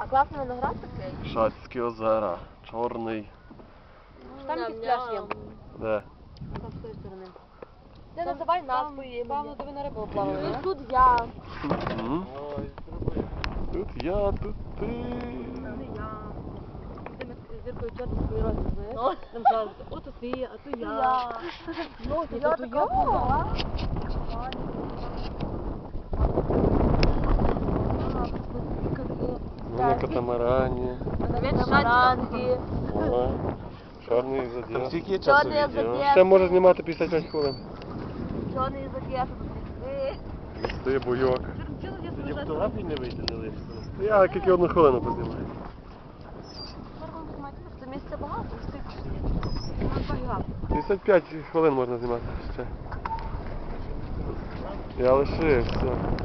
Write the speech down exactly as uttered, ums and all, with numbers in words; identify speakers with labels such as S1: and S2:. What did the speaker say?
S1: класний виноград такий.
S2: Шацькі озера. Чорний.
S1: Там якийсь пляж є.
S2: Де?
S1: Там з тої сторони. Ти називай назву її. Павло, де ви на рибу плавали.
S2: Є.
S1: Тут я.
S2: Мгм. Тут я, тут ти.
S1: Не я. Ти з зіркою чорти свої роки, знаєш? Там кажуть, ото ти, а то я. Ну, то я така.
S2: Ми на катамарані.
S1: Катамаранки.
S2: О, чорний заділ.
S3: Скільки є часу
S1: Чорний
S3: відео?
S1: заділ.
S2: Ще може знімати п'ятдесят п'ять хвилин.
S1: Чорний язик.
S2: Листи, буйок.
S3: Тоді фотографії не вийде, не лише.
S2: Я тільки одну хвилину познімаю.
S1: Це місце багато, встиг.
S2: п'ятдесят п'ять хвилин можна знімати ще. Я лишив, все.